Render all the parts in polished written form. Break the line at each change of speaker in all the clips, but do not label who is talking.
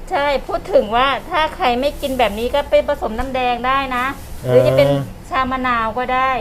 ใช่พูดถึงว่าถ้าใครไม่กินแบบนี้ก็ไปผสมน้ำแดงได้นะ หรือจะเป็นชามะนาวก็ได้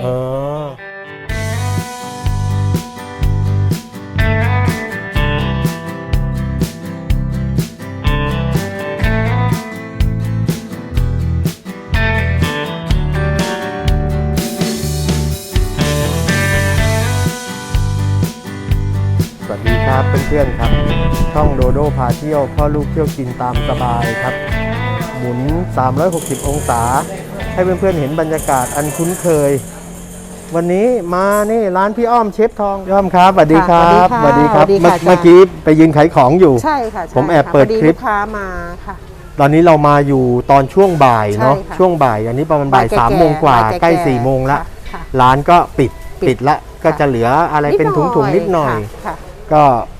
สวัสดีครับเพื่อนๆครับช่องโดโดพาเที่ยวพ่อลูกเที่ยวกินตามสบายครับหมุน360องศาให้เพื่อนๆเห็นบรรยากาศอันคุ้นเคยวันนี้มานี่ร้านพี่อ้อมเชฟทองพี่อ้อมครับสวัสดีครับสวัสดีครับเมื่อกี้ไปยืนขายของอยู่
ใช่ค่ะ
ผมแอบเปิดคลิป
ลูกค้ามาค่ะ
ตอนนี้เรามาอยู่ตอนช่วงบ่ายเนาะช่วงบ่ายอันนี้ประมาณบ่าย3 โมงกว่าใกล้4 โมงละร้านก็ปิดละก็จะเหลืออะไรเป็นถุงๆนิดหน่อยก็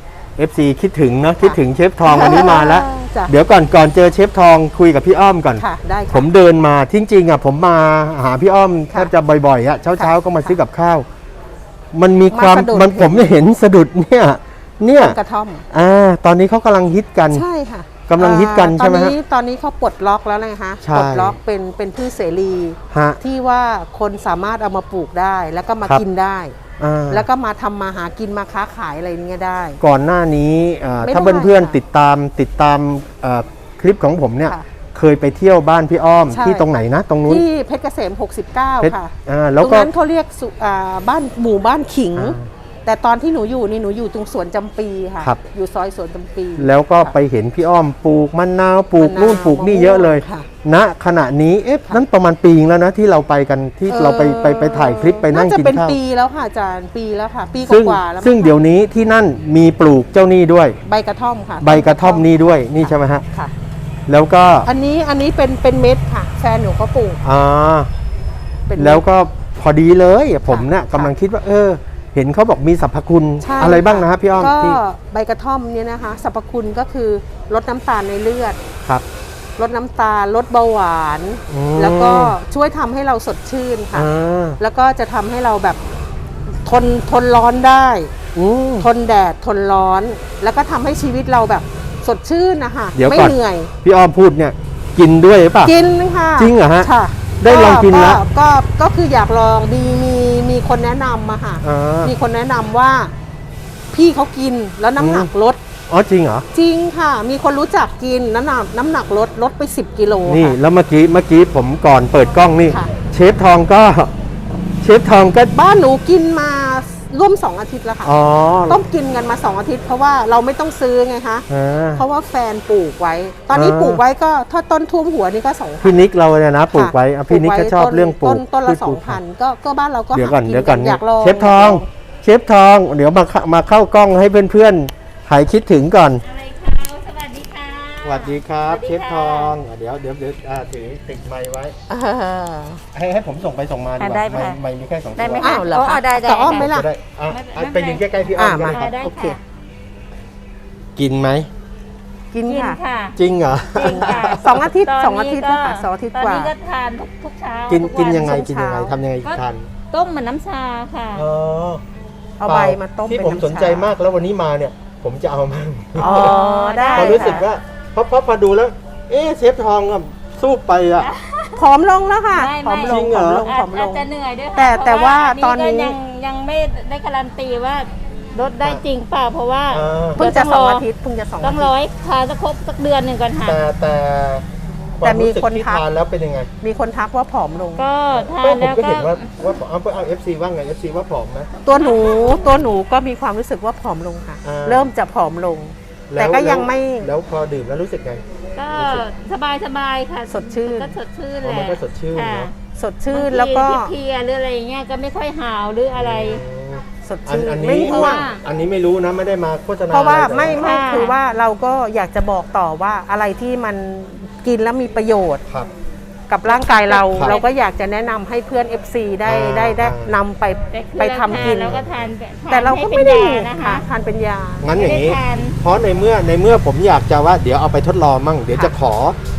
FC คิดถึงเนาะคิดถึงเชฟทองวันนี้มาแล้วเดี๋ยวก่อนเจอเชฟทองคุยกับพี่อ้อมก่อนผมเดินมาจริงๆอ่ะผมมาหาพี่อ้อมแทบจะบ่อยๆอ่ะเช้าก็มาซื้อกับข้าวมันมีความผมเห็นสะดุดเนี่ย
กระท่อม
ตอนนี้เขากำลังฮิตกัน
ใช่ค่ะ
กำลังฮิตกันใช่ไหมฮะ
ตอนนี้เขาปลดล็อกแล้วนะคะปลดล็อกเป็นพืชเสรีที่ว่าคนสามารถเอามาปลูกได้แล้วก็มากินได้แล้วก็มาทำมาหากินมาค้าขายอะไรเงี้ยได้
ก่อนหน้านี้ถ้าเพื่อนๆติดตามคลิปของผมเนี่ยเคยไปเที่ยวบ้านพี่อ้อมที่ตรงไหนนะตรงนู้น
ที่เพชรเกษม69ค่ะตรงนั้นเขาเรียกบ้านหมู่บ้านขิงแต่ตอนที่หนูอยู่นี่หนูอยู่ตรงสวนจำปีค่ะอยู่ซอยสวนจำปี
แล้วก็ไปเห็นพี่อ้อมปลูกมะนาวปลูกนู่นปลูกนี่เยอะเลยณขณะนี้นั้นประมาณปีแล้วนะที่เราไปกันที่เราไปถ่ายคลิปไปนั่งกินข้าวน่าจะ
เป็นปีแล้วค่ะอาจารย์ปีแล้วค่ะปีกว่าแล้ว
ซึ่งเดี๋ยวนี้ที่นั่นมีปลูกเจ้านี่ด้วย
ใบกระท่อมค่ะ
ใบกระท่อมนี่ด้วยนี่ใช่ไหมฮะค่ะแล้วก็
อันนี้เป็นเม็ดค่ะแฟนหนูเขาปลูก
แล้วก็พอดีเลยผมเนี่ยกำลังคิดว่าเห็นเขาบอกมีสรรพคุณอะไรบ้างนะครับพี่อ้อม
ก็ใบกระท่อมเนี่ยนะคะสรรพคุณก็คือลดน้ำตาลในเลือด
ครับ
ลดน้ำตาลลดเบาหวานแล้วก็ช่วยทำให้เราสดชื่นค่ะแล้วก็จะทำให้เราแบบทนร้อนได้ทนแดดทนร้อนแล้วก็ทำให้ชีวิตเราแบบสดชื่นนะคะไม่เหนื่อย
พี่อ้อมพูดเนี่ยกินด้วยหรือเปล่า
กินค่ะ
จริงเหรอฮะได้ลองกินแล้ว
ก็คืออยากลองมีคนแนะนำมาค่ะมีคนแนะนำว่าพี่เขากินแล้วน้ำหนักลด
จริงเหรอ
จริงค่ะมีคนรู้จักกินน้ำหนักลดไป10 กิโล
นี่แล้วเมื่อกี้ผมก่อนเปิดกล้องนี่เชฟทองก็
บ้านหนูกินมาร่วม2 อาทิตย์แล้วค่ะต้องกินกันมา2 อาทิตย์เพราะว่าเราไม่ต้องซื้อไงคะเพราะว่าแฟนปลูกไว้ตอนนี้ปลูกไว้ก็ถ้าต้นท่วมหัวนี่ก็2,000
พี่นิกเราเนี่ยนะปลูกไว้พี่นิกก็ชอบเรื่องปลูก
ต้นละ 2,000ก็บ้านเราก็
เดี๋ยวก่อนอยากลองเชฟทองเดี๋ยวมาเข้ากล้องให้เพื่อนๆหายคิดถึงก่อนสวัสดีครับเชฟทองเดี๋ยวถือติดไมค์ไว้ให้ผมส่งไปส่งมาดีกว่าไมค์มีแค่2 ตัว
ได้ไหมอ้าวเหรอคะจะอ้อมไหมล่ะ
ไปยืนใกล้ๆพี่อ้อมมา
โอเค
กินไหม
กินค่ะ
จริงเหรอ
2 อาทิตย์2 อาทิตย์ค่ะ2 อาทิตย์กว่า
ตอนนี้ก็ทานทุกเช้า
กินยังไงทำยังไงทาน
ต้มเหมือนน้ำชาค่ะ
เอาใบมาต้ม
ที่ผมสนใจมากแล้ววันนี้มาเนี่ยผมจะเอามา
ได้
พอรู้สึกว่าเพราะพอดูแล้วเชฟทองสู้ไป
ผอมลงแล้วค่ะผอมลง
อาจจะเหนื่อยด้วย
แต่ว่าตอนนี้
ยังไม่ได้การันตีว่าลดได้จริงเปล่าเพราะว่า
เพิ่งจะ2 อาทิตย์
ต้องรอให้ทานสักเดือนหนึ่งก่อนค่ะ
แต่มีคนทักแล้วเป็นยังไง
มีคนทักว่าผอมลง
ก็ทานแล้ว
ก็เห็นว่าเอา FC ว่าไง FC ว่าผอมนะ
ตัวหนูก็มีความรู้สึกว่าผอมลงค่ะเริ่มจะผอมลงแต่ก็ยังไม่
แล้วพอดื่มแล้วรู้สึกไง
ก็สบายค่ะ
สดชื่น
ก็สดชื่นแหละ
มันก็สดชื่น
สดชื่นแล้วก็
เพลียหรืออะไรเงี้ยก็ไม่ค่อยหาวหรืออะไร
สดชื่น
ไม่ง่วงอันนี้ไม่รู้นะไม่ได้มาโฆษณา
เพราะว่าไม่คือว่าเราก็อยากจะบอกต่อว่าอะไรที่มันกินแล้วมีประโยชน์กับร่างกายเราก็อยากจะแนะนำให้เพื่อน FC ได้นำไปทำกินแต่เราก็ไม่ได้นะคะทานเป็นยา
งั้นอย่างนี้เพราะในเมื่อผมอยากจะว่าเดี๋ยวเอาไปทดลองมั่งเดี๋ยวจะขอ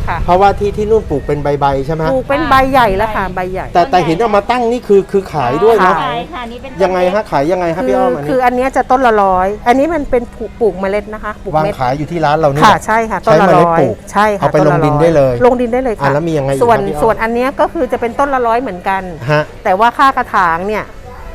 ค่ะ
เพราะว่าที่นู่นปลูกเป็นใบๆใช่ไหม
ปลูกเป็นใบใหญ่แล้วค่ะใบใหญ่
แต่เห็นเอามาตั้งนี่คือขายด้วยนะ
ขายค่ะนี่เป็น
ยังไงฮะขายยังไงฮะพี่อ้อมอันนี้
คืออันเนี้ยจะต้นละ100อันนี้มันเป็นปลูกเมล็ดนะคะปลูก
วาง
เม็ด
ขายอยู่ที่ร้านเรานี่
ค่ะ
แหละ
ใช่ค่ะต้นละ
ใช้เมล็ด
ร้อย
ปลูก
ใช่ค่ะ
เอาไป
ต้
ลงดินได้เลย
ลงดินได้เลยค่ะ
แล้วมียังไงอีก
ส่วน
ครับพี่อ้อม
ส่วนอันเนี้ยก็คือจะเป็นต้นละ100เหมือนกัน
ฮะ
แต่ว่าค่ากระถางเนี่ย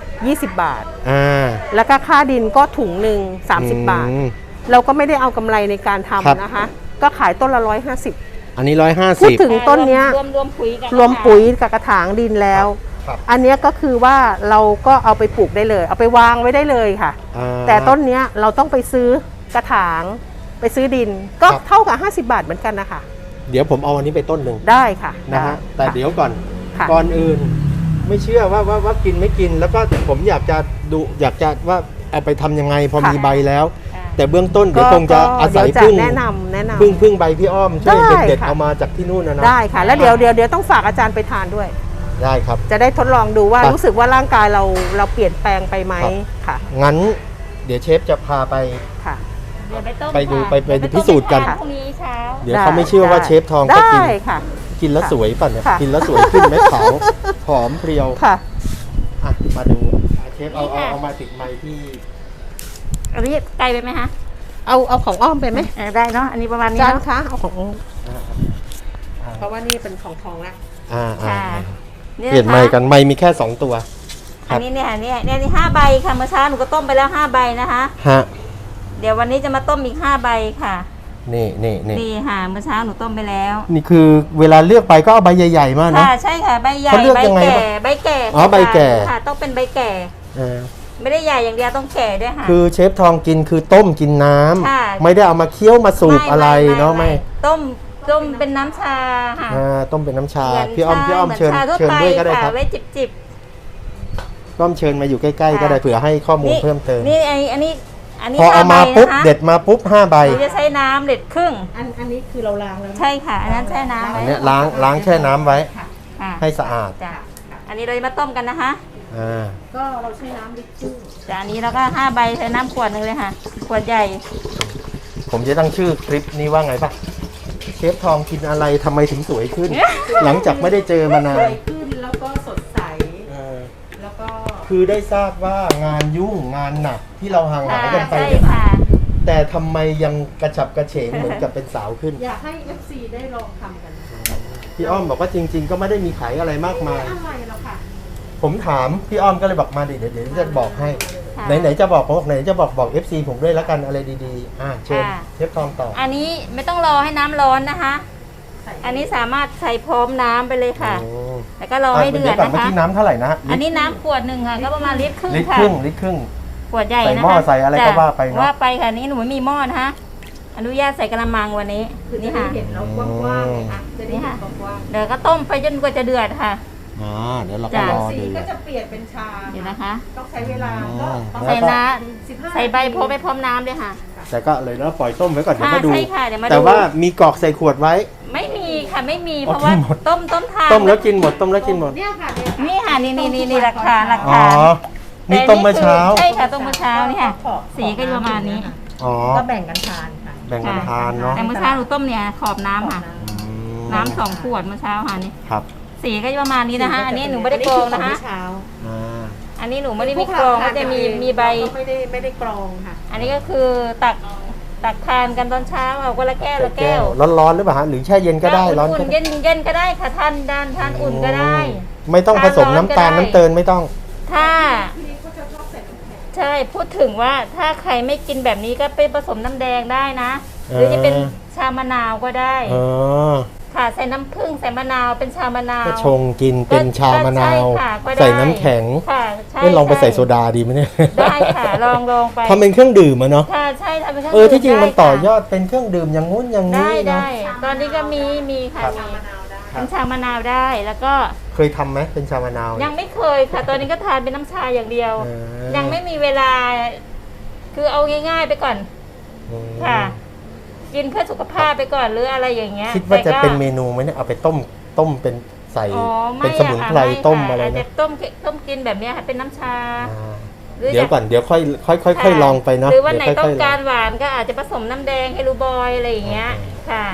20 บาท
อ่า
แล้วก็ค่าดินก็ถุงหนึ่ง30 บาท
อืม
เราก็ไม่ได้เอากำไรในการ
ครับ
ทำนะคะ ก็ขายต้นละ150
อันนี้
พูด
150
ถึงต้นเนี้ย
รวมปุ๋ยกัน
รวมปุ๋ยกับกระถางดินแล้ว
ครับ
อันเนี้ยก็คือว่าเราก็เอาไปปลูกได้เลย เอาไปวางไว้ได้เลยค่ะ
อ่า
แต่ต้นเนี้ยเราต้องไปซื้อกระถางไปซื้อดิน ก็
ครับ
เท่ากับ50 บาทเหมือนกันนะคะ
เดี๋ยวผมเอาอันนี้ไปต้นหนึ่ง
ได้ค่ะ
นะฮะ
ไ
แต่เดี๋ยวก่อน
ค่ะ
ก่อนอื่น ไม่เชื่อว่ากินไม่กิน แล้วก็ผมอยากจะดูอยากจะว่าเอาไปทำยังไงพอมีใบแล้ว
ค่ะ
แต่เบื้องต้นเดี๋ยวคงจะอาศัย
เดี๋ว
พึ่ง
แนะนำ
พึ่งใบพี่อ้อมช่วย
ได้
เด็ดๆ
ค่ะ
เอามาจากที่นู่นนะ
ได้ค่ะ แล้วเดี๋ยวต้องฝากอาจารย์ไปทานด้วย
ได้ครับ
จะได้ทดลองดูว่า
ครับ
รู้สึกว่าร่างกายเราเปลี่ยนแปลงไปไหม
ครับ
ค่ะ
งั้นเดี๋ยวเชฟจะพาไป
ค่ะ
เดี๋ยวไปต้ม
ไปดู
ค่ะ
ไป
เดี๋ยว
พิสูจน์กัน
ต้มให้ทาพรุ่งนี้เช้า
เดี๋ยวเขาไม่เชื่อว่าเชฟทองจะกิน
ได้ค่ะ
กินแล้วสวยป่ะเนี่ย
ค่ะ
กินแล้วสวยขึ้นไหมขาวหอมเพรียว
ค่ะ
อ่ะมาดูเชฟเอา
นี่ค่ะ
เอามาติดไมค์ที่
อันนี้ไกลไปไหมคะ
เอาของอ้อมไปไหม
ได้เนาะอันนี้ประมาณนี้
จาน
เนาะ
คะเอาของ
อ่า
เพราะว่านี่เป็นของทองละ
อ่า
ค่ะ
เปลี่ยนไมค์กันไมค์มีแค่ 2 ตัว ครั
อั
บ
นนี้เนี่ยนี่5 ใบค่ะเมื่อเช้าหนูก็ต้มไปแล้ว5 ใบนะคะ
ฮะ
เดี๋ยววันนี้จะมาต้มอีก5 ใบค่ะ
นี่
นี่ค่ะเมื่อเช้าหนูต้มไปแล้ว
นี่คือเวลาเลือกไปก็เอาใบใหญ่ๆมากนะ
ค่ะใช่ค่ะใบใหญ่
เขาเลือก
ใบ
ยังไง
แก่
บ้าง
ใบแก่
อ๋อใบแก่
ค่ะต้องเป็นใบแก่
เออ
ไม่ได้ใหญ่อย่างเดียวต้องแก่ด้วยค่ะ
คือเชฟทองกินคือต้มกินน้ำ
ค่ะ
ไม่ได้เอามาเคี้ยวมาสูบอะไรเนาะไม่
ต้มเป็นน้ำชาค่ะ
ต้มเป็นน้ำชา
เหมืน
พี่อ้อม
ชา
พี่อ้อม
หน
เชิญ
ชาทั่
เชิญด้วยก็ได้
ปะ
ครับ
ไว้จิบ
พี่อ้อมเชิญมาอยู่ใกล้ๆก็ได้เผื่อให้ข้อมูลเพิ่มเติม
นี่อันนี้
พอเอามา
5
ปุ๊บ
นะคะ
เด็ดมาปุ๊บ5 ใบ
หนูจะใช้น้ำเด็ดครึ่ง
อันนี้คือเราล้างแล้วนะ
ใช่ค่ะ อันนั้นแช่น้ำ
อั
ไว้
นเนี้ยล้างแช่น้ำไว้
ค่ะ
ค่ะ
ให้สะอาด
จ้ะอันนี้เราจะมาต้มกันนะคะ
อ่า
ก็เราใช้น้ำลิตรครึ่ง
จ้ะอันนี้เราก็5 ใบใช้น้ำขวดหนึ่งเลยค่ะ ขวดใหญ่
ผมจะตั้งชื่อคลิปนี้ว่าไงป่ะเชฟทองกินอะไรทำไมถึงสวยขึ้น หลังจากไม่ได้เจอมานา
สวน ยขึ้นแล้วก็สดใส
เออ
แล้วก็
คือได้ทราบว่างานยุ่งงานหนักที่เราห่างหายกันไป
ใช่
เนี่ย
ค่ะ
แต่ทำไมยังกระฉับกระเฉงเหมือนกับเป็นสาวขึ้น
อยากให้ FC ได้ลองทำกัน
พี่อ้อมบอกว่าจริง ๆ ก็ไม่ได้มีขายอะไรมากมาย
อะไรหรอกค่ะ
ผมถามพี่อ้อมก็เลยบอกมาเดี๋ยวจะบอกให้
ค่ะ
ไหนๆจะบอกผมบอกไหนจะบอก FC ผมด้วยแล้วกันอะไรดีๆเชิญ
ค่ะ
เชฟทองต่อ
อันนี้ไม่ต้องรอให้น้ำร้อนนะคะ อันนี้สามารถใส่พร้อมน้ำไปเลยค่ะ
โอ้
แล้วก็รอให้เดือด
ก่อน
นะ
เมื่อ
คะ
กี้น้ำเท่าไหร่นะ
อันนี้น้ำขวดหนึ่งค่ะ ก็ประมาณลิตรครึ่ง
ลิตร
ค่ะ
ครึ่งลิตรครึ่ง
ขวดใหญ่
ใส่
นะคะ
หม้อใส่อะไรก็
จ้
ว่าไปเนอะ
ว่าไปค่ะนี่หนูไม่มีหม้อนะคะ อนุญาตใส่กระมังวันนี้
คือจะ
นี่
ได้
ค่ะ
เห็นเรากว้างๆไงคะจะได้เห็นกว้าง
เดี๋ยวก็ต้มไปจนกว่าจะเดือดค่ะ
เดี๋ยวเราก็
จ้ะ
รอ
ๆสี
ดู
ก็จะเปลี่ยนเป็นชา
เดี๋ยวนะคะ
ต้องใช้เวลา
อ๋
ก็
อ
ต้อง
ใส่น้
15
ำใส่ใบโพไปพร้อมน้ำเลยค่ะ
แต่ก็เลยแล้วปล่อยต้มไว้ก่อนเดี๋ยวมาดู
ใช่ค่ะเดี๋ยวมาดู
แต่ว่ามีกรอกใส่ขวดไว้
ไม่มีค่ะไม่มี
อ๋อ
เพราะว่า
กินหมด
ต้มทาน
ต้มแล้วกินหมดต้มแล้วกินหมด
เนี่ยค่ะเนี่ย
นี่ค่ะนี่หลักฐานหลัก
อ๋อ
ฐาน
นี่ต้มเมื่อเช้า
ใช่ค่ะต้มเมื่อเช้านี่ค่ะ สีก็จะประมาณนี้
อ๋อ
ก็แบ่งกันทานค่ะ
แบ่งกันทานเนาะ
แต่เมื่อเช้าหนูต้มเนี่ยขอบน้ำค่ะ
อืม
น้ำ2 ขวดเมื่อเช้าค่ะนี่
ครับ
สีก็จะประมาณนี้นะคะ อันนี้หนูไม่ได้กรองนะคะ
เช้า
อ่า
อันนี้หนูไม่ได้มีกรองก็จะมีใบ
ไม่ได้กรองค่ะ
อันนี้ก็คือตักทานกันตอนเช้าเอาคนละแก้วละแก้ว
ร้อนๆหรือเปล่าฮะหรือแช่เย็นก็ได้ร้อน
อุ่
ก็
นๆ
ได้
เย็นก็ได้ค่ะทานอุ่นก็ได้
ไม่ต้องผสมน้ำตาล
ทานร้อนก็ได้
น้ำเตนไม่ต้อง
ถ้าใช่พูดถึงว่าถ้าใครไม่กินแบบนี้ก็ไปผสมน้ำแดงได้นะ หรือจะเป็นชามะนาวก็ได้
อ๋อ
ค่ะใส่น้ำผึ้งใส่มะนาวเป็นชามะนาว
ก็ชงกินเป็นชามะนาว
ก็ใช่ค่ะก็ได้
ใส่น้ำแข็ง
ค่ะใช่
ไม่ลองไปใส่
ช่
โซดาดีไหมเนี่ย
ได้ค่ะลองไป
ทำเป็นเครื่องดื่มอะเนาะ
ค่ะใช่ทำเป็นเครื่อง
ที่จริงมัน
ได้ค่ะ
ต่อยอดเป็นเครื่องดื่มอย่างงู้นอย่างนี้
ได้
เนาะ
ตอนนี้ก็มีค่ะ
ครับ
มีเป็นชามะนาวได้แล้วก็
เคยทำไหมเป็นชามะนาว
ยังไม่เคยค่ะ ตอนนี้ก็ทานเป็นน้ำชาอย่างเดียว
เออ
ยังไม่มีเวลา คือเอาง่าย ๆ ไปก่อน
อืม
ค่ะ กินเพื่อสุขภาพไปก่อนหรืออะไรอย่างเงี้ย
คิดว่าจะ
แต่ก็
เป็นเมนูไหมเนี่ยเอาไปต้มเป็นใส่
อ๋อไม่
เป็นสมุนไพร
อะค่ะ
ต้ม
ค่
อะไร
อาจจะ
นะ
ต้มกินแบบเนี้ยค่ะเป็นน้ำชา
อ่า
หรือ
เดี๋ยวก่อนเดี๋ยวค่อยลองไปเนาะ
หรือวันไหน
เดี๋ยว
ต้
ค่
อย ง
ๆล
การหวานก็อาจจะผสมน้ำแดงให้รูบอยอะไรอย่างเงี้ยค่ะ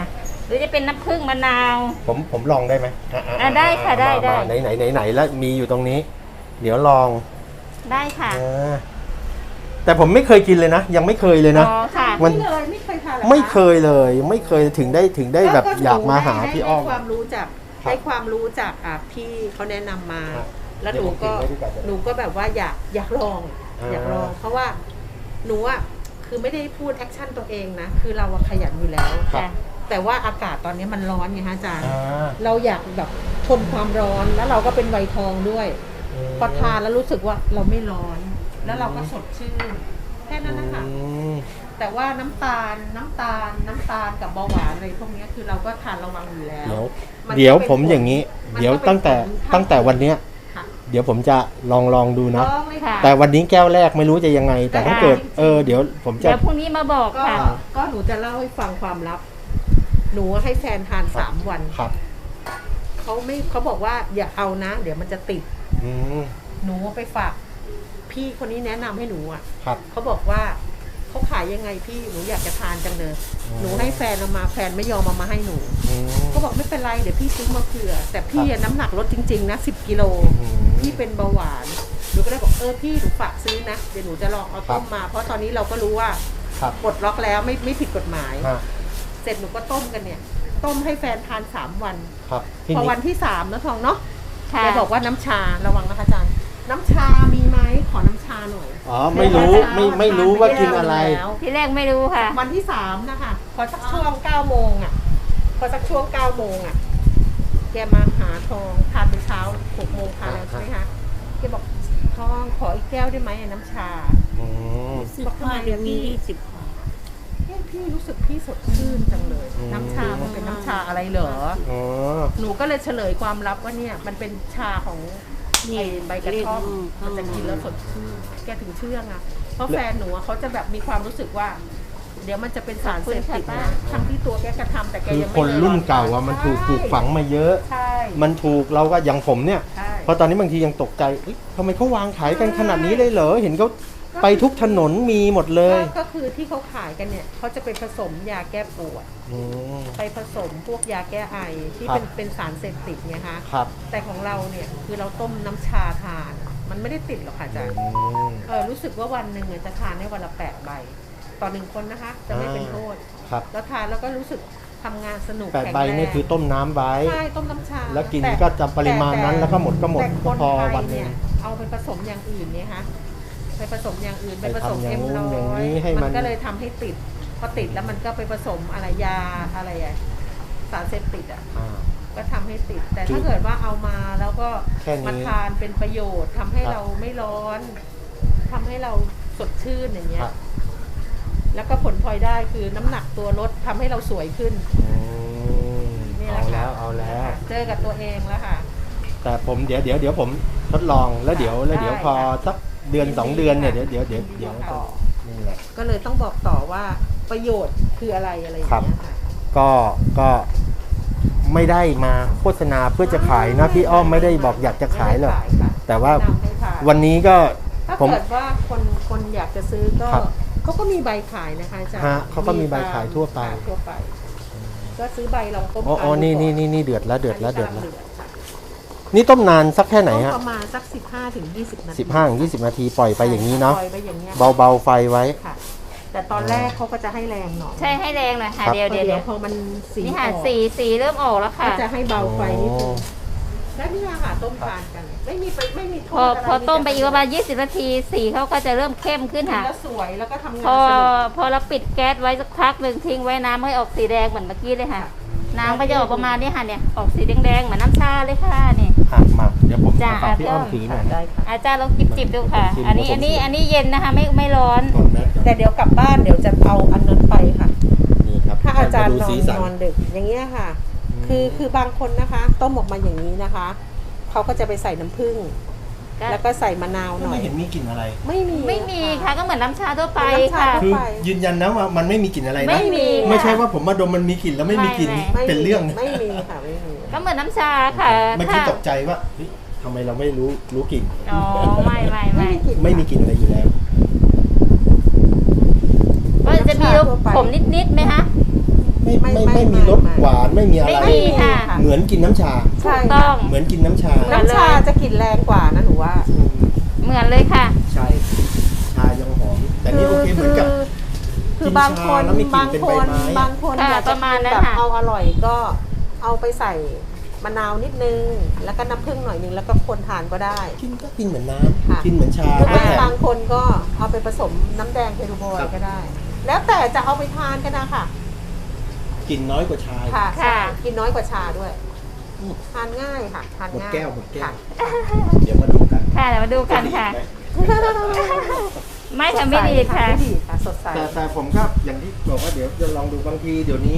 หรือจะเป็นน้ำผึ้งมะนาว
ผมลองได้ไหม
ได้ค่ะได้
ไหนแล้วมีอยู่ตรงนี้ เดี๋ยวลอง
ได้ค่ะ
แต่ผมไม่เคยกินเลยนะ ยังไม่เคยเลยนะ
อ๋อค่ะ
มัน
ไม่เคยทานหรอ
ไม่เคยเลยไม่เคยถึงได้แบบอยากมาหาพี่อ้อม
ได้ความรู้จาก
ครับ
ได้ความรู้จากพี่เขาแนะนำมา
ครับ
แล้ว
เดี๋ยวผมกินไว้ดีกว่าจะได้
หนูก็แบบว่าอยากลอง อยากลอง เพราะว่าหนูอ่ะคือไม่ได้พูดแอคชั่นตัวเองนะ คือเราอะขยันอยู่แล้ว
ครับ
แต่ว่าอากาศตอนนี้มันร้อนไงฮะอาจารย์
อ่า
เราอยากแบบทนความร้อนแล้วเราก็เป็นวัยทองด้วยพอทานแล้วรู้สึกว่าเราไม่ร้อน แล้วเราก็สดชื่นแค่นั้นนะคะ
อืม
แต่ว่าน้ำตาลกับเบาหวานอะไรพวกนี้คือเราก็ทานระวังอยู่แล้ว
เดี๋ยวผมอย่างนี้
มันก็เป็น
เดี๋ยวตั้งแต่วันเนี้ย
ค่ะ
เดี๋ยวผมจะลองดูนะ
ลองเลยค่ะ
แต่วันนี้แก้วแรกไม่รู้จะยังไง แต่ถ้าเกิดเดี๋ยวผมจะ
เดี๋ยวพรุ่งนี้มาบอก
ก็
ค่ะ
ก็หนูจะเล่าให้ฟังความลับ หนูให้แฟนทาน3 วัน
ครับ
เขาบอกว่าอย่าเอานะ เดี๋ยวมันจะติด
อืม
หนูไปฝากพี่คนนี้แนะนำให้หนูอ่ะ
ครับ
เขาบอกว่าเขาขายยังไงพี่หนูอยากจะทานจังเลย
อืม
หนูให้แฟนเอามาแฟนไม่ยอมเอามาให้หนู
อืม
ก็บอกไม่เป็นไรเดี๋ยวพี่ซื้อมาเผื่อ แต่พี่อะน้ำหนักลดจริงๆนะ10 กิโล
อืม
พี่เป็นเบาหวานหนูก็เลยบอกพี่หนูฝากซื้อนะเดี๋ยวหนูจะลองเอาต้ม
ครับ
มา เพราะตอนนี้เราก็รู้ว่า
ครับ
ปลดล็อกแล้วไม่ผิดกฎหมาย
ฮะ
เสร็จหนูก็ต้มกันเนี่ย ต้มให้แฟนทาน3 วัน
ครับที
พอ
นี้
วันที่3นะทองเนาะ
ค่ะ
แกบอกว่าน้ำชาระวังนะคะอาจารย์น้ำชามีไหมขอน้ำชาหน่อย
อ๋อไม่รู้ไม่รู้ว่ากินอะไร
แล้ว
ที่แรกไม่รู้ค่ะ
วันที่3นะคะพอสักช่วง9 โมงอ่ะพอสักช่วง9 โมงอ่ะแกมาหาทองทานเป็นเช้า6 โมงทานแล้วใช่ไหมคะแกบอกทองขออีกแก้วได้ไหมน้ำชา
อืม
บอกทำไมเดี๋ยวพี่พี่รู้สึกพี่สดชื่นจังเลย
อืม
น้ำชามันเป็นน้ำชาอะไรเหรอ
อ๋อ
หนูก็เลยเฉลยความลับว่าเนี่ยมันเป็นชาของไอ้ใบกระท่อมมันจะกินแล้วสดชื่นแกถึงเชื่องอ่ะเพราะแฟนหนูอะเขาจะแบบมีความรู้สึกว่า เดี๋ยวมันจะเป็นสารเสพติดนะทั้งที่ตัวแกกระทำแต่แก
คือ
ยังไม่
คน
ลย
รุ่นเก่าอะมันถูกปลูกฝังมาเยอะ
ใช่
มันถูกเราก็อย่างผมเนี่ย
ใช่
เพราะตอนนี้บางทียังตกใจเอ๊ะทำไมเขาวางขายกันขนาดนี้เลยเหรอ เห็นเขาไปทุกถนนมีหมดเลย
ก็คือที่เขาขายกันเนี่ยเขาจะไปผสมยาแก้ปวด
อืม
ไปผสมพวกยาแก้ไอที่
ครับ
เป็นสารเสพติดไงคะ
ครับ
แต่ของเราเนี่ยคือเราต้มน้ำชาทาน มันไม่ได้ติดหรอกค่ะอาจารย์
อืม
รู้สึกว่าวันหนึ่งจะทานได้วันละ8 ใบ ต่อ1 คนนะคะ จะไม่เป็นโทษ
ครับ
แล้วทานแล้วก็รู้สึกทำงานสนุก
8
แข็ง
ใบ
แรง
นี่คือต้มน้ำไว้
ใช่ต้มน้ำชา
แล้วกินก็จะปริมาณนั้นแล้วก็หมดก็หมด
แต่คน
พอ
ไทย
วันหนึ่ง
เนี่ยเอาไปผสมอย่างอื่นเนี่ยคะไปผสมอย่างอื่น
ไป
ไปผสม
ทำอย่าง
เอ็ม
นู้น
ร้
อย่าง
อย
นี้ให้มัน
ก็เลยทำให้ติดพอติดแล้วมันก็ไปผสมอะไรยาอะไรอะสารเสพติดอ่ะ
อ่า
ก็ทำให้ติด แต่
คือ
ถ้าเกิดว่าเอามาแล้วก็
แค่นี้
มาทานเป็นประโยชน์ทำให้
ครับ
เราไม่ร้อนทำให้เราสดชื่นอย่างเงี้
ค
ย
รับ
แล้วก็ผลพลอยได้คือน้ำหนักตัวลดทำให้เราสวยขึ้น
อืม
นี่แห
เอา
ละค่ะ
แล้วเอาแล้ว
เจอกับตัวเองแล้วค่ะ
แต่ผมเดี๋ยวผมทดลองแล้วเดี๋ยว
ได้
พอ
ค่ะ
สักเดือน 2 เดือนเนี่ย
ค่ะ
เดี๋ยว
ต่อ
นี่แหละ
ก็เลยต้องบอกต่อว่าประโยชน์คืออะไรอะไรอย่างเงี้ยค่ะ
ก็ไม่ได้มาโฆษณาเพื่อจะขายนะพี่อ้อมไม่ได้บอกอยากจะขายหรอก
ไม่ได้ขค่ะ
แต่ว่า
แนะนำให้ทาน
วันนี้ก็
ถ้า
ผม
เกิดว่าคนอยากจะซื้อก็
ครับ
เขาก็มีใบขายนะคะอาจารย์
ฮะเขาก็มีใบขายทั่วไป
ทั่วไป ก็ซื้อใบลองต้ม
อ๋อ
ทาน
นี่
ดูก่อ
นี่เดือดแล้ว
อันนี้กำงค่ะ
นี่ต้มนานสักแค่ไหน
ต้ม
ฮะ
ประมาณสัก15 ถึง 20 นาที
15-20 นาทีปล่อยไปอย่างนี้เนาะ
ปล่อยไปอย่างเงี้ย
เบาๆไฟไว้
ค่ะ แต่ตอนแรกเขาก็จะให้แรงหน่อย
ใช่ให้แรงหน่อยค่ะ
ครับ
เดี๋ยว
เดี๋
เดี๋
ย
ยว ว
พอมันสี
นี่
อ
ค่ะ
อก
สีเริ่มออกแล้ว
ก็
ค่ะ
จะให้เบาไฟนิดนึงแล้วนี่ค่ะต้มทานกัน ไม่มีโทษ
พอ
อะไร
พอต้มไปอีกประมาณ20 นาทีสีเขาก็จะเริ่มเข้มขึ้น
กิน
ค่ะ
แล้วสวยแล้วก็ทำงาน
พอ
สนุก
พอเราปิดแก๊สไว้สักพักหนึ่งทิ้งไว้น้ำให้ออกสีแดงเหมือนเมื่อกี้เลยค่ะ น้ำก็จะออกประมาณนี้ค่ะเนี่ยออกสีแดงๆเหมือนน้ำชาเลยค่ะนี่
มาเดี๋ยวผม
จ้ะ
ฝากพี่อ้อมถือหน่อย
ได้ค่ะ
อาจารย์ลองจิบดูค่ะ
จิบ
อันนี้เย็นนะคะไม่ร้อน
ก่อนนะ
แต่เดี๋ยวกลับบ้านเดี๋ยวจะเอาอันนั้นไปค่ะ
นี่ครับ
ถ้าอาจารย์
มดูสีสัน
นอนดึกอย่างเงี้ยค่ะ คือบางคนนะคะ ต้มออกมาอย่างนี้นะคะเขาก็จะไปใส่น้ำผึ้ง
ก็
แล้วก็ใส่มะนาวหน่อ
ไม่
ย
เห็นมีกลิ่นอะไร
ไม่มี
ค่ะก็เหมือนน้ำชาทั่วไป
เหมือนน้ำชา
ค่ะ
ทั่ว
คือ
ไป
ยืนยันนะว่ามันไม่มีกลิ่นอะไรนะ
ไม่มี
ไม่ใช่ว่าผมมาดมมันมีกลิ่นแล้วไม่มีกลิ่น
ไม่
เป็นเรื่อง
ไม่มีค่ะไม่มี
ก็เหมือนน้ำชาค่ะ
เมื่อกี้ตกใจว่าเฮ้ยทำไมเราไม่รู้กลิ่น
อ๋อไม่
ไม่มีกลิ่นอะไรอยู่แล้ว
ก็จะมีรสขมนิดๆไหมคะ
ไม่มีรสหวานไม่มีอะไร
ไม่มีค่ะ
เหมือนกินน้ำชา
ใช่
ถูกต้
ค่ะ
อง
เหมือนกินน้ำชา
น้ำชาจะกลิ่นแรงกว่านะหนูว่า
เหมือนเลยค่ะ
ใช่ชายังหอมแต่นี่โอเคเหมือนกับ
คือบางคน
กินชาแล้วมีกลิ่นเป็นใบไม้
บางคน
ค่ะ
อยาก
ป
จะ
ระมาณ
กิน
นั้น
แบบ
ค่ะ
เอาอร่อยก็เอาไปใส่มะนาวนิดนึง แล้วก็น้ำผึ้งหน่อยนึงแล้วก็คนทานก็ได้
กินเหมือนน้
ค่ะ
ำกินเหมือนชา
หรือ
แล้วแถม
บางคนก็เอาไปผสมน้ำแดงเทรูบอย
ครับ
ก็ได้ แล้วแต่จะเอาไปทานกันนะคะ
กลิ่นน้อยกว่าชา
ค่ะ
ค่ะ
กินน้อยกว่าชาด้วย
อืม
ทานง่ายค่ะทาน
หมด
ง่าย
แก้วหมดแก้ว
ค่ะ
เดี๋ยวมาดูกัน
ค่ะเดี๋ยวมาดูกันค่ะ ไม่ค่ะไม่ดีค่ะ
ไม่ดีค่ะสดใส
แต่ผมก็อย่างที่บอกว่าเดี๋ยวจะลองดูบางทีเดี๋ยวนี้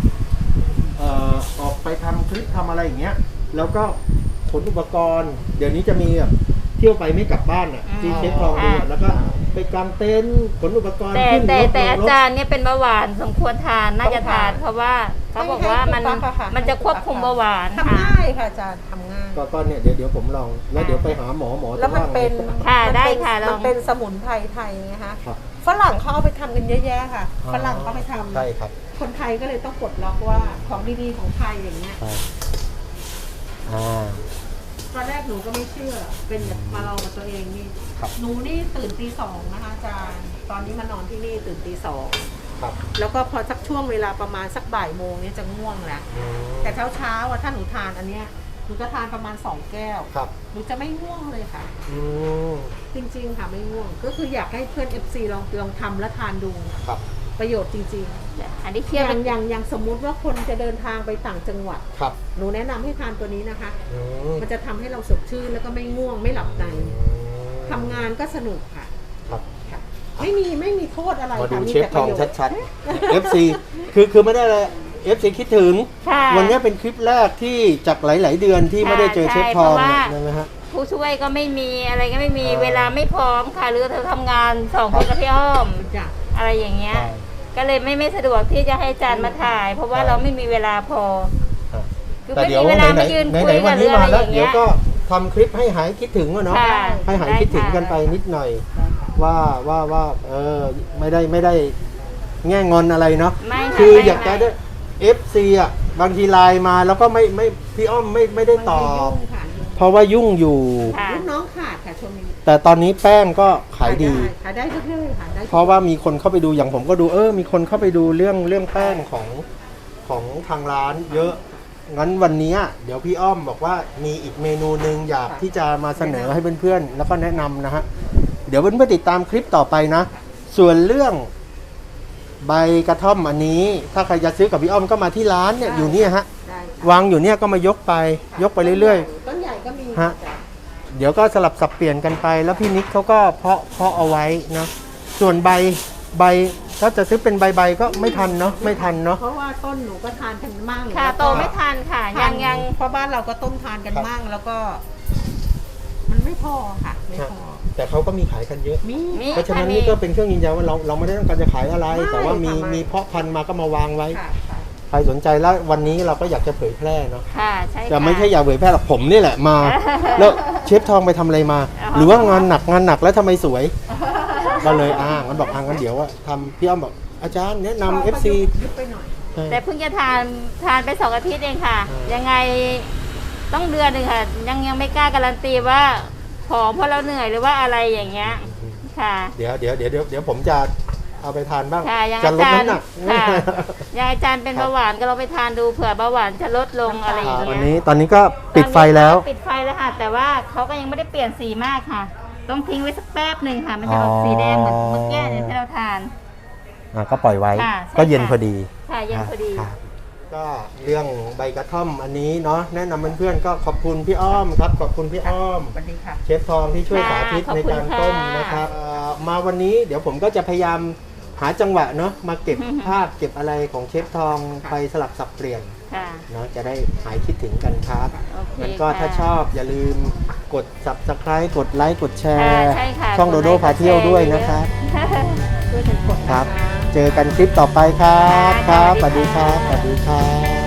ออกไปทำคลิปทำอะไรอย่างเงี้ย แล้วก็ขนอุปกรณ์ เดี๋ยวนี้จะมีแบบเที่ยวไปไม่กลับบ้านอ่ะที่เชฟทองดูอะแล้วก็ไปกางเต็นท์ขนอุปกรณ์
แต่
ขึ้นรถ
แต่
ลง
อาร
ถ
จารย์เนี่ยเป็นเบาหวานสมควรทานน่าจะทาน เพราะว่าเขาบอกว่ามันจะควบคุมเบาหวาน
ทำ
ค่ะ
ง่ายค่ะอาจารย์ทำง่าย
ก็เนี่ยเดี๋ยวผมลองแล้วเดี๋ยวไปหาหมอจะ
แล้วมัน
ว่าไง
เป็น
ค่ะ
มัน
ได้
เป็น
ค่ะลอง
มันเป็นสมุนไพรไทยไงคะ
ครับ
ฝรั่งเขาเอาไปทำกันเยอะแยะค่ะ ฝรั่งเขาไปทำ
ใช่ครับ
คนไทยก็เลยต้องปลดล็อกว่าของดีๆของไทยอย่างเงี้ย
ใช่อ่า
ตอนแรกหนูก็ไม่เชื่อ เป็นแบบมาลองกับตัวเองนี่
ครับ
หนูนี่ตื่นตี 2นะคะอาจารย์ ตอนนี้มานอนที่นี่ตื่นตี
ครับ
2แล้วก็พอสักช่วงเวลาประมาณสักบ่ายโมงเนี่ยจะง่วงแล้ว
อืม
แต่เช้าๆอ่ะถ้าหนูทานอันเนี้ยหนูจะทานประมาณ2แก้ว
ครับ
หนูจะไม่ง่วงเลยค่ะ
อืม
จริงๆค่ะไม่ง่วง ก็คืออยากให้เพื่อน FC ลองทำและทานดู
ครับ
ประโยชน์จริง
อันนี้
ๆ
เทียบ
อย่างสมมุติว่าคนจะเดินทางไปต่างจังหวัด
ครับ
หนูแนะนำให้ทานตัวนี้นะคะ
อืม
มันจะทำให้เราสดชื่นแล้วก็ไม่ง่วงไม่หลับในทำงานก็สนุกค่ะ
ครับ
ค่ะ ไม่มีโทษอะไร
มาดู
ค่ะมี
เชฟ
แต่
ท
ป
อง
ระโยชน์
ชัดๆ FC คือไม่ได้เลย FC คิดถึง
ค่ะ
วันนี้เป็นคลิปแรกที่จากหลาย ๆ เดือนที่ไม่ได้เจอเชฟทองเนี่ยใช่ไหมฮะ
ผู้ช่วยก็ไม่มีอะไรก็ไม่มีเวลาไม่พร้อมค่ะ หรือเธอทำงานสองคนกับพี่อ้อม
จ้ะ
อะไรอย่างเงี้ย
ใช่
ก็เลยไม่สะดวกที่จะให้อาจารย์มาถ่าย เพราะว่า
ใช่
เราไม่มีเวลาพอ
ครับ
คือ
แต่
ไม่
เดี๋ยว
มีเวลา
ไหน
มายืน
ๆ
คุ
ไหน
ย
ๆวั
กัน บ
นี้
เรื่อง
มา
อะไร
แล้ว
อย่าง
เดี๋ย
เงี้
วย ก็ทำคลิปให้หายคิดถึงอะเนาะ
ค่ะ
ให้หาย
ได้
คิดถึง
ค่ะ
กันไปนิดหน่อย ว่าไม่ได้แง่งอนอะไรเนาะ
ไม่ค่ะ
คือ
ไม่
อยากจะได้ FC อ่ะบางทีไลน์มาแล้วก็ไม่พี่อ้อมไม่ได้ตอบ
มันยุ่งค่ะ
เพราะว่ายุ่งอยู่
ค่ะ
ลูกน้องขาดค่ะช่วงนี้
แต่ตอนนี้แป้งก็ขายดี
ขายได้เรื่อยๆค่ะได้
เพราะว่ามีคนเข้าไปดูอย่างผมก็ดูมีคนเข้าไปดูเรื่องแป้งของทางร้านเยอะ งั้นวันนี้เดี๋ยวพี่อ้อมบอกว่ามีอีกเมนูหนึ่งอยากที่จะมาเสนอให้เพื่อนๆแล้วก็แนะนำนะฮะเดี๋ยวเพื่อนๆติดตามคลิปต่อไปนะ ส่วนเรื่องใบกระท่อมอันนี้ ถ้าใครจะซื้อกับพี่อ้อมก็มาที่ร้านเนี่ยอยู่เนี่ยฮะ
ได้ค่ะ
วางอยู่เนี่ยก็มายกไปเรื่อย
ต้นใหญ่ก็มี
ฮะ ๆ เดี๋ยวก็สลับสับเปลี่ยนกันไป แล้วพี่นิกเขาก็เพาะเอาไว้นะส่วนใบถ้าจะซื้อเป็นใบก็ไม่ทันเนาะไม่ทันเนาะ
เพราะว่าต้นหนูก็ทานกันมั่ง
ค่ะ
แล้ว
โต
ก็
ไม่ทันค่ะ ยัง
เพราะบ้านเราก็ต้มทานกันมั่งแล้วก็ มันไม่พอค่ะไม่พอ
แต่เขาก็มีขายกันเยอะ
มี
มี
เพราะฉะนั้นนี่ก็เป็นเครื่องยืนยันว่าเราไม่ได้ต้องการจะขายอะไร
ไม่
แต่ว่ามี
ค่ะไม่
มีเพาะพันธุ์มาก็มาวางไว้
ค่ะค่ะ
ใครสนใจแล้ววันนี้เราก็อยากจะเผยแพร่เนาะ
ค่ะใช่
แต่
ค่ะ
ไม่ใช่อยากเผยแพร่หรอกผมนี่แหละมา แล้วเชฟทองไปทำอะไรมา หรือว่างานหนักแล้วทำไมสวย ก็เลยงั้นบอกงั้นเดี๋ยวว่าทำพี่อ้อมบอกอาจารย์แนะนำ FC
ยุบไปหน่อย
แต่เพิ่งจะทานไป2 อาทิตย์เองค่ะ ยังไงต้องเดือนหนึ่งค่ะ ยังไม่กล้าการันตีว่าผอมเพราะเราเหนื่อยหรือว่าอะไรอย่างเงี้ยค่ะ
เดี๋ยวผมจะเอาไปทานบ้าง
ค่ะยัง
จะ
อา
ลด
จารย์
น้ำหนัก
ค่ะยังอาจารย์เป็นเบาหวานก็เราไปทานดูเผื่อเบาหวานจะลดลงอะไรอย่าง
วัน
เงี้
นี้
ย
ตอนนี้ก็ปิดไฟแล้ว
ปิดไฟแล้วค่ะ แต่ว่าเขาก็ยังไม่ได้เปลี่ยนสีมากค่ะ ต้องทิ้งไว้สักแป๊บหนึ่งค่ะ มันจะออกสีแดงเหมือนเมื่อกี้เนี่ยที่เราทาน
ก็ปล่อยไว้
ค่ะใช่
ก็เย็น
ค่ะ
พอดี
ค่ะเย็นพอดี
ครับก็เรื่องใบกระท่อมอันนี้เนาะแนะนำเพื่อนๆก็ขอบคุณพี่อ้อมครับขอบคุณพี่อ้อม
สวัสดีค่ะ
เชฟทองที่ช่วย
ค่ะ
สาธิต
ขอบ
ใน
คุณ
การต้ม
ค่ะ
นะครับมาวันนี้เดี๋ยวผมก็จะพยายามหาจังหวะเนาะมาเก็บภาพเก็บอะไรของเชฟทองไปสลับสับเปลี่ยน
ค่ะ
เนาะจะได้หายคิดถึงกันครับ
โอเค
งั้นก็
ค่ะ
ถ้าชอบอย่าลืมกด subscribe กดไลค์กดแช
ค่ะ
ร์
ใช่ค่ะ
ช่องโดโดพาเที่ยวด้วยนะครับ
ช่วยกันกด
ค
นะ
รับ
คะ
เจอกันคลิปต่อไปครับ
ค่ะ
ครับ
ส
ส
วั
วั
ส
ส
ดี
ดีค
ค่ะ
รับ สวัสดีครับ